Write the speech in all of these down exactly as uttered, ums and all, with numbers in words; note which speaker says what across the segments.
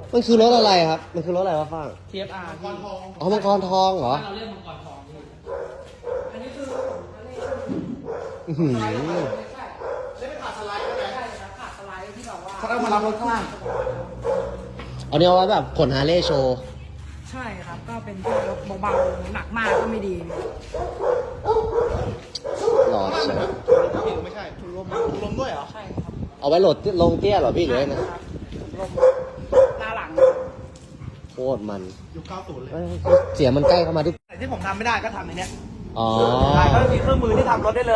Speaker 1: มันคือรถอะไรครับมันคือรถอะไรวะฟ้าง
Speaker 2: ที เอฟ อาร์
Speaker 3: มังกรทอง
Speaker 1: อ๋อมังกรทองเหรอ
Speaker 2: บ้านเราเรียกมังกรทองพี่
Speaker 4: อันนี้คือ
Speaker 1: อื้อหือ
Speaker 4: ไม่ใช่
Speaker 3: ได้ไปผ่าสไลด์ได้ไหม
Speaker 4: ใช่ครับขาดสไลด์ที่แบบว่า
Speaker 3: เขาเอามารับรถข้างล่าง
Speaker 1: เอาเนี่ยเอาไว้แบบขนฮาร์เลย์โชว์
Speaker 4: ใช่ครับก็เป็นพวกรถเบาๆหนักมากก็ไม่ดี
Speaker 1: หลอดใช่ไหม
Speaker 3: ไม่ใช่ถุงลมถุงลมด้วยเหรอ
Speaker 4: ใช่ครับ
Speaker 1: เอาไว้โหลดลงเตี้ยเหรอพี่หรือไงนะ
Speaker 4: ลมหน้าหลัง
Speaker 1: โคตรมัน
Speaker 3: อยู่เก้าศูนย์เลย
Speaker 1: เอ้ยเสียงมันใกล้เข้ามาทุก
Speaker 3: ที่ผมทำไม่ได้ก็ทำในเนี้ย
Speaker 1: อ๋อ
Speaker 3: ใช่ก็มีเครื่องมือที่ทำรถได้เลย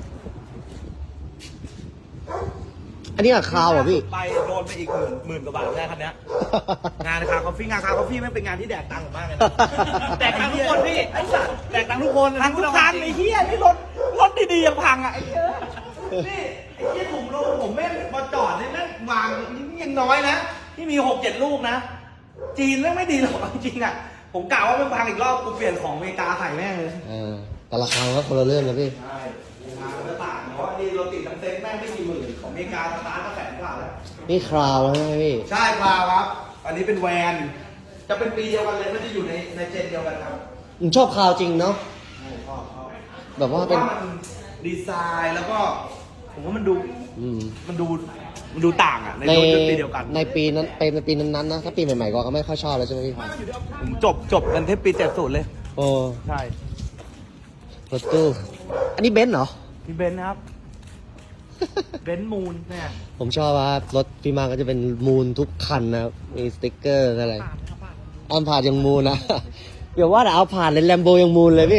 Speaker 1: อันนี้อะคาวเหรอพี่
Speaker 3: ไปโดนไปอีกหมื่นหมื่นกว่าบาทได้คันเนี้ย งานคาคอฟฟี่งานคาคอฟฟี่ไม่เป็นงานที่แดกตังค์ผมมากเลยนะแดกตังค์ทุกคนพี่ไอ้สัตว์แดกตังค์ทุกคนทั้งทุกคันไอ้เหี้ยนี่รถรถดีๆยังพังอ่ะไอ้เหี้ยนี่ไอ้เหี้ยถุงลมผมแม่งมาจอดเนี่ยแม่งวางนี่ยังน้อยนะที่มีหกเจ็ดลูกนะ จีนแม่งไม่ดีหรอกจริงๆอ่ะผมกล่าวว่ามันพังอีกรอบกูเปลี่ยนของอเมริกาใส่แม่งเลย
Speaker 1: เออแต่ราคามันก็คนละเรื่องนะพี่
Speaker 3: ใช่ทางมันต่างเพราะว่านี่รถติดทั้งเซ็ตแม่งไม่กี่หมื่นของอเมริกาสตาร์ทก็แสนกว่าแล้ว
Speaker 1: นี่คราวแล้วใช่ไหมพี่
Speaker 3: ใช่ครับ อันนี้เป็นแวน จะเป็นปีเดียวกันเลยไม่ได้อยู่ในในเจนเดียวกันครับ
Speaker 1: ผมชอบคราวจริงเนาะ แบบว่าเป็น
Speaker 3: ผมมันดีไซน์แล้วก็ ผมว่ามันดู
Speaker 1: อืม
Speaker 3: มันดูมันดูต่างอ่ะ ใน
Speaker 1: ใน
Speaker 3: รถยนต์ปีเดียวกัน
Speaker 1: ในปีนั้นเป็นในปีนั้นๆนะ ถ้าปีใหม่ๆก็ไม่ค่อยชอบแล้วใช่ไหมพี่
Speaker 3: ผมจบจบกันที่ปีเจ็ดศูนย์เลย
Speaker 1: โอ้
Speaker 3: ใช่
Speaker 1: รถตู้ อันนี้เบนซ์เหรอ
Speaker 3: พี่เบนซ์นะครับ เบนซ์มูนเนี่ย
Speaker 1: ผมชอบว่ารถพี่มาก็จะเป็นมูนทุกคันนะครับ มีสติ๊กเกอร์อะไร
Speaker 4: ผ่านครับผ่าน
Speaker 1: อันผ่านยังมูนนะ เดี๋ยวว่าแต่เอาผ่านเลยแลมโบยังมูนเลยพี่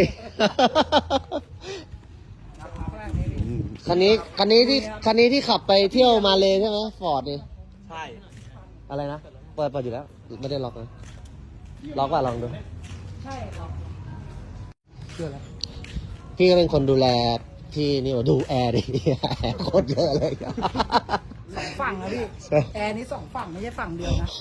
Speaker 1: คันนี้คันนี้ที่คันนี้ที่ขับไปเที่ยวมาเลยใช่ไหมฟอร์ดนี่
Speaker 3: ใช่
Speaker 1: อะไรนะ เปิดเปิดอยู่แล้ว ไม่ได้ล็อกนะ ล็อกว่าลองดู
Speaker 4: ใช่ครับ
Speaker 1: พี่ก็เป็นคนดูแลพี่นี่ว่าดูแอร์ดิ แอร์โคตรเยอะเลย
Speaker 4: สองฝั่งนะพี่แอร์นี้สองฝั่งไม่ใช่ฝั่งเดียวนะ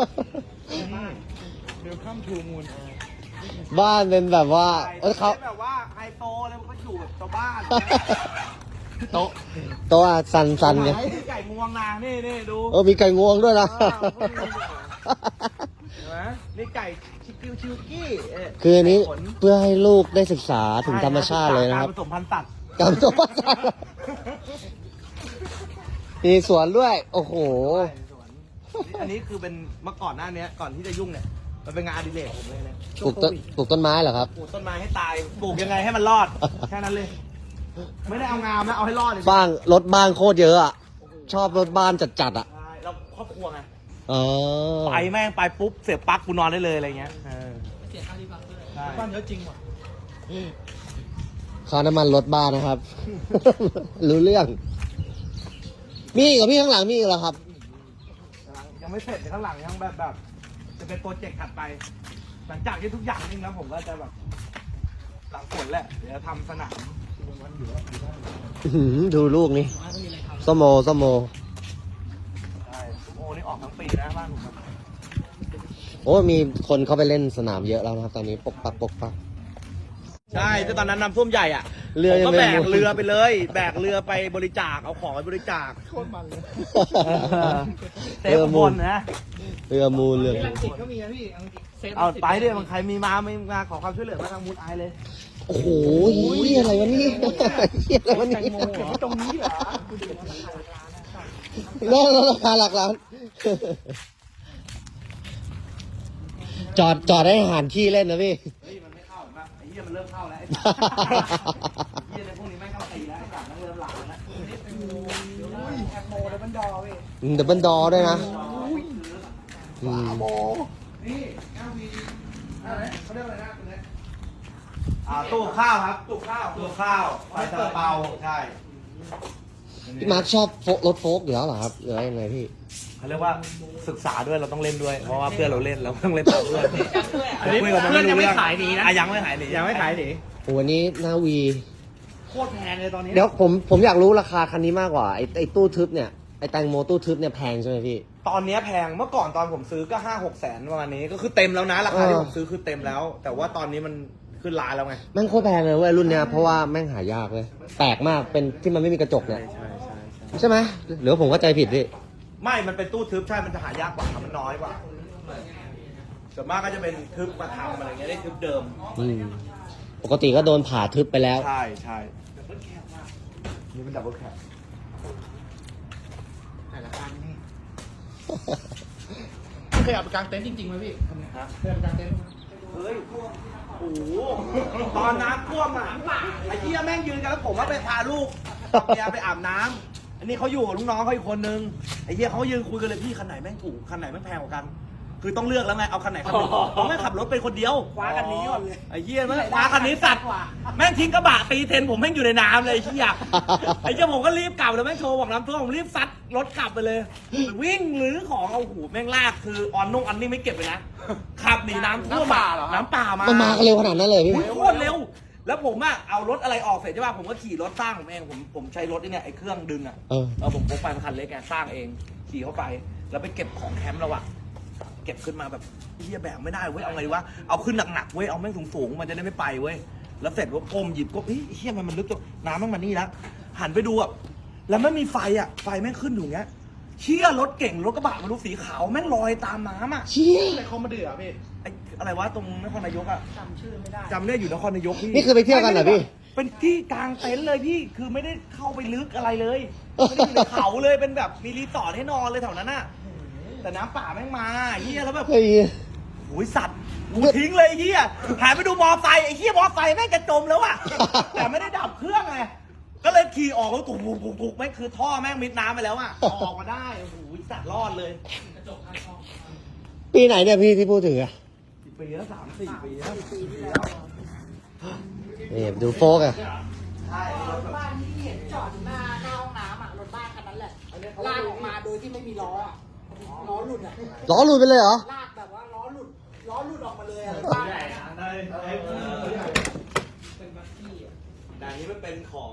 Speaker 3: เวลคัมทูมูน
Speaker 1: บ้านเป็นแบบว่าเอ้ยเขา
Speaker 3: แบบว่าไฮโซเลยมันก็อยู่แบบชาวบ้าน
Speaker 1: โต๊ะโต๊ะอะสันสันไง
Speaker 3: ไก่ไก่งวงนางนี่นี่ดู
Speaker 1: เออมีไก่งวงด้วยนะ
Speaker 3: อ้าวเห็นไหมนี่ไก่ชิคิวชิวกี้เะ
Speaker 1: คืออันนี้
Speaker 3: ไก่ข
Speaker 1: เพื่อให้ลูกได้ศึกษาถึงธรรมชาติเลยนะครับ
Speaker 3: การผสมพันธุ์สัตว์
Speaker 1: กับตัวมีสวนด้วย โอ้โห
Speaker 3: อันนี้คือเป็นเมื่อก่อนหน้านี้ก่อนที่จะยุ่งเนี่ยมันเป็นงานอดิเรกผมเลยเนี่ย
Speaker 1: ปลูกต้นปลูกต้นไม้เหรอครับ
Speaker 3: ปลูกต้นไม้ให้ตายปลูกยังไงให้มันรอดแค่นั้นเลย ไม่ได้เอางามนะเอาให้รอดเลย
Speaker 1: บ้างรถบ้านโคตรเยอะอ่ะ ชอบรถบ้านจัดๆอ่ะ
Speaker 3: ใช่เราครอบครัวไง
Speaker 1: อ๋อ
Speaker 3: ไปแม่งไปปุ๊บเสียบปลั๊กกูนอนได้เลยอะไรเงี้ยเออ
Speaker 2: เสียค่ารีบัคด้วย
Speaker 3: ใช่
Speaker 2: บ้านเยอะจริงว่ะ
Speaker 1: ค่าน้ำมันรถบ้านนะครับ รู้เรื่อง มีอีกับพี่ข้างหลังมีอีกเหรอครับ
Speaker 3: ยังไม่เสร็จข้างหลังยังแบบแบบ จะเป็นโปรเจกต์ถัดไป หลังจากที่ทุกอย่างนิ่งแล้วผมก็จะแบบหลังฝนแหละเดี๋ยวทำสนาม
Speaker 1: อื้อหือดูลูกนี่
Speaker 2: บ้านก็มีอะไรทำ
Speaker 1: สโมสโม
Speaker 3: ใช่โอ้นี่ออกทั้งปีนะบ้านผมอะ
Speaker 1: โอ้มีคนเข้าไปเล่นสนามเยอะแล้วนะครับ ตอนนี้ปกปักปกปัก
Speaker 3: ใช่แต่ตอนนั้นน้ำท่วมใหญ่อ่ะ
Speaker 1: เรือ
Speaker 3: ผม
Speaker 1: ยัง
Speaker 3: ก็
Speaker 1: ไม่
Speaker 3: แบก
Speaker 1: หมด
Speaker 3: เรือไปเลย แบกเรือไปบริจาคเอาของไปบริจาคโคตรมันเลยเซฟบนนะ
Speaker 1: เรือมูลเรือ
Speaker 2: ที่
Speaker 1: มู
Speaker 2: ลั
Speaker 1: ล
Speaker 2: งสิตก็มีนะพี่อังกฤษเซฟ
Speaker 3: เอาไปดิมันใครมีมาไม่มาขอความช่วยเหลือมาทางมูลไอเลย
Speaker 1: โอ้โหเหี้ยอะไรวะนี่เหี้ยอะไรวะนี่
Speaker 3: ตรงนี้เหรอ
Speaker 1: น่าราคาหลักล้าน จอดจอดให้อาหารที่เล่นนะพี่
Speaker 3: เฮ้ยมันไม่เข้ามาไอ้เหี้ยมันเริ่มเข้าแล้วไอ้เหี้ยในพวกนี้ไม่เข้าตีแล้วไอ้สัตว์มันเริ่มหลานแล้ว
Speaker 4: แอปโมแล้วมันดอเว้ย
Speaker 1: ดับเบิลดอด้วยนะอืม
Speaker 3: นี่แอลวีอะไรเขาเรียกอะไรนะคุณเนี่ยอ่าตู้ข้าวครับตู้ข้าวตู้ข้าวไฟซาลาเปาใช่
Speaker 1: พี่มาร์คชอบโฟรถโฟกอยู่แล้วเหรอครับหรือว่ายังไงพี่
Speaker 3: เขาเรียกว่าศึกษาด้วยเราต้องเล่นด้วย เพราะว่าเพื่อนเราเล่นเราต้องเล่นตามเพื่อน
Speaker 2: อันนี้
Speaker 3: คุยกับ
Speaker 2: เพื่อนยังไม่ขายหนีนะ
Speaker 3: อ่ะยังไม่ขายหนียังไม่ขายหนี
Speaker 1: โอ้วันนี้หน้าวี
Speaker 3: โคตรแพงเลยตอนนี้
Speaker 1: เดี๋ยวผมผมอยากรู้ราคาคันนี้มากกว่าไอ้ไอ้ตู้ทึบเนี่ยไอ้แตงโมตู้ทึบเนี่ยแพงใช่ไหมพี่
Speaker 3: ตอนนี้แพงเมื่อก่อนตอนผมซื้อก็ห้าหกแสนประมาณนี้ก็คือเต็มแล้วนะราคาที่
Speaker 1: เออ
Speaker 3: ผมซื้อคือเต็มแล้ว แต่ว่าตอนนี้มันขึ้นล้านแล้วไง
Speaker 1: แม่งโคตรแพงเลยเว้ยรุ่นเนี้ยเพราะว่าแม่งหายากเลยแปลกมากเป็นที่มันไม่มีกระจกเนี่ย
Speaker 3: ใช่ใช่
Speaker 1: ใช่ไหมหรือว่าผมเข้าใจผิดพี่
Speaker 3: ไม่มันเป็นตู้ทึบใช่มันจะหายากกว่ามันน้อยกว่าส่วนมากก็จะเป็นทึบมาทำอะไรเงี้ยได้ทึบเดิม
Speaker 1: อืมปกติก็โดนผ่าทึบไปแล้ว
Speaker 3: ใช่ใช่นี่เป็นดับเบิลแคป
Speaker 2: แต่ละคันนี่พี่เคยเอาไปกางเต็นท์จริงๆไหมพี่คันนี้
Speaker 3: ฮะ
Speaker 2: เคยเอาไปกางเต็นท์ไหม
Speaker 3: เฮ้ยโอ้โหตอนน้ำท่วมอ่ะไอ้เหี้ยแม่งยืนกันแล้วผมว่าไปพาลูกเมียไปอาบน้ำอันนี้เขาอยู่กับลูกน้องเขาอีกคนนึงไอ้เหี้ยเขายืนคุยกันเลยพี่คันไหนแม่งถูกคันไหนแม่งแพงกว่ากัน คือต้องเลือกแล้วไงเอาคันไหนคันหนึงผมแม่งขับรถเป็นคนเดียว
Speaker 4: คว้ากันนี้ก่อนเลย
Speaker 3: ไอ้เหี้ยแม่งคว้าคันนี้สัตว์แม่งทิ้งกระบะตีเทนผมแม่งอยู่ในน้ำเลยไอ้เหี้ยไอ้เหี้ยผมก็รีบกลับเลยแม่งโทรบอกน้ำท่วมผมรีบซัดรถกลับไปเลย วิ่งหรือของเอาหูแม่งลากคือออนนุ่งอันนี้ไม่เก็บเลยนะขับหนีน้ำท่วมอะน้ำป่ามา
Speaker 1: มันมากันเร็วขนาดนั้นเลยพี่
Speaker 3: โอ้ยโคตรเร็ว แล้วผมอะเอารถอะไรออกเสร็จใช่ป่ะผมก็ขี่รถสร้างผมเองผมผมใช้รถไอ้เนี่ยไอ้เครื่องดึงอะ
Speaker 1: เออ
Speaker 3: เออผมพกไปมันคันเล็กไงสร้างเองขี่เข้าไป แล้วไปเก็บของแคมป์เราอะเก็บขึ้นมาแบบเฮียแบกไม่ได้เว้ยเอาไงดีวะเอาขึ้นหนักๆเว้ยเอาแม่งสูงๆมันจะได้ไม่ไปเว้ยแล้วเสร็จว่าก้มหยิบก็เฮ้ยเฮียมันมันลึกจังน้ำแม่งมานี่แล้วหันไปดูอะแล้วไม่มีไฟอะไฟแม่งขึ้นอยู่อย่างเงี้ยเชี่ยรถเก่งรถกระบะมันดูสีขาวแม่งลอยตามน้ำอะ
Speaker 1: เชี่ย
Speaker 2: อะไรเขามาเดือดพี่
Speaker 3: ไอ้อะไรวะตรงนครนายกอะ
Speaker 4: จำชื่อไม่ได้
Speaker 3: จำได้อยู่นครนายกพี่
Speaker 1: นี่คือไปเที่ยวกันเหรอพี่
Speaker 3: เป็นที่กลางเต็นท์เลยพี่ คือไม่ได้เข้าไปลึกอะไรเลย ไม่ได้อยู่ในเขาเลย เป็นแบบมีรีสอร์ทให้นอนเลยแถวนั้นน่ะ แต่น้ำป่าแม่งมาเฮียแล้วแบบ
Speaker 1: เฮ้ย
Speaker 3: โอ้ยสัตว์กูทิ้งเลยไอ้เฮียหันไปดูมอไซค์ไอ้เฮียมอไซค์แม่งจะจมแล้วอะแต่ไม่ได้ดับเครื่องไง ก็เลยขี่ออกแล้วกุกกุกกุกกุกแม่งคือท่อแม่งมิดน้ำไปแล้วอะออกมาได้ โอ้โหสัตว์รอดเลย
Speaker 1: ปีไหนเนี่ยพี่ที่พูดถึงอะ
Speaker 3: ปีแล้วสามสี่ปีแล้ว
Speaker 1: นี่ดูโฟกอะ
Speaker 3: ใช่
Speaker 4: รถบ้านที่เห็นจอดอยู่หน้าหน้าห้องน้ำอ่ะรถบ้านคันนั้นแหละลากออกมาโดยที่ไม่มีล้ออ่ะล้อหลุดอ่ะ
Speaker 1: ล้อหลุดไปเลยเหรอ
Speaker 4: ลากแบบว่าล้อหลุดล้อหลุดออกมาเลยอะรถบ้าน
Speaker 2: ใหญ่นะได้ได้ใหญ่เป็นบัคกี้อ่ะ
Speaker 3: แต่อันนี้มันเป็นของ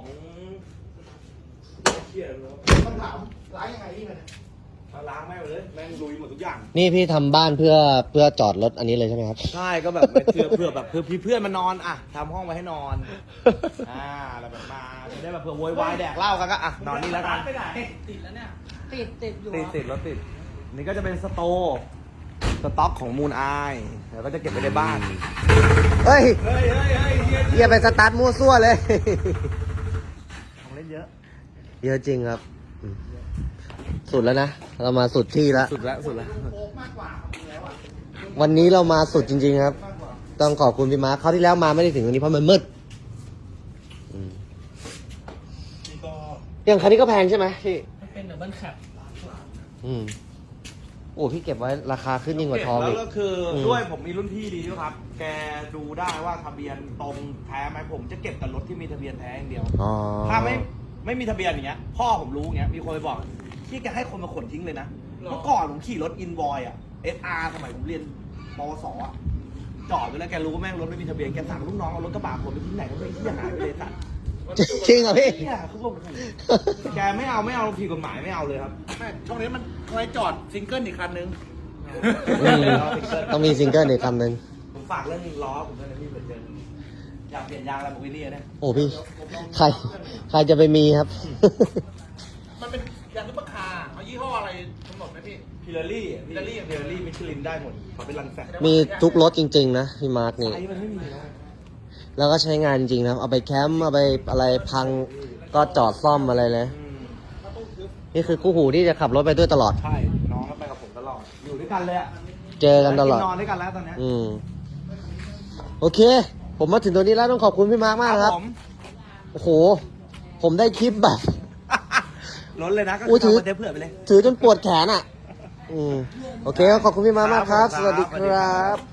Speaker 3: เฮียเลย
Speaker 2: ต้องถามร้านยังไงพี่มันย
Speaker 3: มาล้างแม่งเลยแม่งลุยหมดทุกอย่าง
Speaker 1: นี่พี่ทำบ้านเพื่อเพื่อจอดรถอันนี้เลยใช่ไหมครับ
Speaker 3: ใช่ก็แบบเพื่อเพื่อแบบเพื่อเพื่อนมานอนอ่ะทำห้องไว้ให้นอน อ่าแล้วแบบมาจะได้แบบเผื่อโวยวายแดกเหล้ากันก็อ่ะนอนนี่แล้วกัน
Speaker 2: ไปไหนติดแล้วเนี่ย
Speaker 4: ติดติดอยู่
Speaker 3: ติดติดรถติดนี่ก็จะเป็นสโตร์สต็อกของมูลไอแล้วก็จะเก็บไว้ในบ้าน
Speaker 1: เฮ้ย
Speaker 3: เฮ้ยเฮ้ยเฮ้ยเฮีย
Speaker 1: เฮียไปสตาร์ทมั่วซั่วเลย
Speaker 3: ของเล่นเยอะ
Speaker 1: เยอะจริงครับอืมสุดแล้วนะ เรามาสุดที่แล้ว
Speaker 3: สุดแล้วสุดแล้ว
Speaker 2: โค้กมากกว่าของแล้วอ่ะ
Speaker 1: วันนี้เรามาสุดจริง ๆ ครับ
Speaker 2: มากกว่า
Speaker 1: ต้องขอบคุณพี่มาร์คคราวที่แล้วมาไม่ได้ถึงตรงนี้เพราะมันมืดอืม
Speaker 2: นี่ก็
Speaker 1: อย่างคันนี้ก็แพงใช่ไหมพี่
Speaker 2: มันเป็นดับเบิลแคป
Speaker 1: อืมโอ้พี่เก็บไว้ราคาขึ้นยิ่งกว่าทอง
Speaker 3: แล้
Speaker 1: อี
Speaker 3: ว
Speaker 1: ก
Speaker 3: ก็คืออ
Speaker 1: ม
Speaker 3: ด้วยผมมีรุ่นพี่ดีด้วยครับ แกดูได้ว่าทะเบียนตรงแท้ไหมผมจะเก็บแต่รถที่มีทะเบียนแท้อย่างเดียว
Speaker 1: อ๋อ
Speaker 3: ถ้าไม่ไม่มีทะเบียนอย่างเงี้ยพ่อผมรู้อย่างเงี้ยมีคนไปบอกที่แกให้คนมาขนทิ้งเลยนะเมื่อก่อนผมขี่รถอินวอยอะเอสอาร์สมัยผมเรียนปวสอะจอดไปแล้วแกรู้ว่าแม่งรถไม่มีทะเบียนแกสั่งลูกน้องเอารถกระบะขนไปที่ไหนก็ไม่ที่หายไปเลยสัตว์
Speaker 1: จริงเหรอพี่
Speaker 3: เนี่ยคือผมแกไม่เอาไม่เอาผิดกฎหมายไม่เอาเลยครับ
Speaker 2: แม่ช่วงนี้มันไว้จอดซิงเกิลอีกคันนึง
Speaker 1: อืมต้องมีซิงเกิลอีกคำหนึ่ง
Speaker 3: ผมฝากเรื่องล้อผมด้วยนะพี่เผื่อเจออยากเปลี่ยนยางอะไรบอกวิลลี่นะ
Speaker 1: โอ้พี่ ใคร ใครจะไปมีครับ
Speaker 2: มันเป็นยางซุปเปอร์คาร์เอายี่ห้ออะไรกำหนดไหมพี่
Speaker 3: พิลารี่พิลารี่พิลารี่มิชลินได้หมดขอเป็นรันแฟก
Speaker 1: มีทุกรถจริง ๆ นะพี่มาร์คนี่
Speaker 3: ไซส์มันไม่มีแล้ว
Speaker 1: แล้วก็ใช้งานจริงนะเอาไปแคมป์เอาไปอะไรพังก็จอดซ่อมอะไรเลย
Speaker 3: อืม
Speaker 1: นี่คือคู่หูที่จะขับรถไปด้วยตลอด
Speaker 3: ใช่น้องก็ไปกับผมตลอดอยู่ด้วยกันเลยอะ
Speaker 1: เจอกันตลอด
Speaker 3: นอนด้วยกันแล้วตอนเนี้ย
Speaker 1: อืมโอเค ผมมาถึงตรงนี้แล้วต้องขอบคุณพี่มาร์คมากนะครับ
Speaker 3: ผม
Speaker 1: โอ้โห ผมได้คลิปแบบ
Speaker 3: ล้นเลยนะก็
Speaker 1: อุ้ยถือ
Speaker 3: เอามาเทเผื่อไปเลย
Speaker 1: ถือจนปวดแขนอ่ะ อืมโอเคขอบคุณพี่มาร์คมากครับ
Speaker 3: ครับ
Speaker 1: สวัสดี
Speaker 3: สวัส
Speaker 1: ค
Speaker 3: ดีครั
Speaker 1: รับ บ